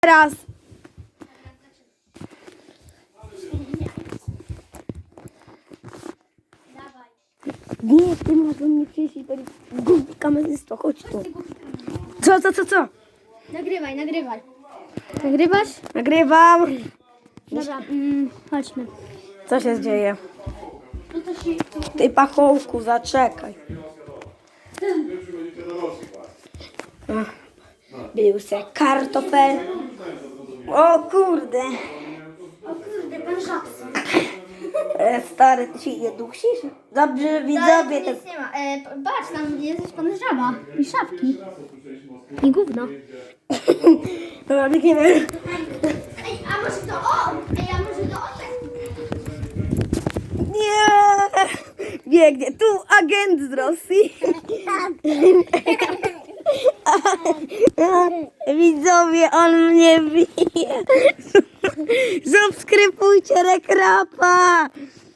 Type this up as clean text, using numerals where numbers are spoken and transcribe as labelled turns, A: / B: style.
A: Teraz. Nie, ty masz do mnie przyjść i powiedzieć, głupi kamerzysto, chodź tu. Co?
B: Nagrywaj. Nagrywasz?
A: Nagrywam.
B: Dobra, chodźmy.
A: Co się dzieje? Ty pachołku, zaczekaj. Był se kartofel. O kurde.
B: O kurde, pan Żabson.
A: Stary, ty się nie dusisz? Dobrze, widzowie.
B: Nic nie ma. Patrz, tam jest pan Żaba. I szafki. I gówno.
A: Dobra, biegniemy.
B: Ej, a może to on? Tak.
A: Nie! Biegnie. Tu agent z Rosji. Widzowie, on mnie bije. Subskrybujcie Rekrapa.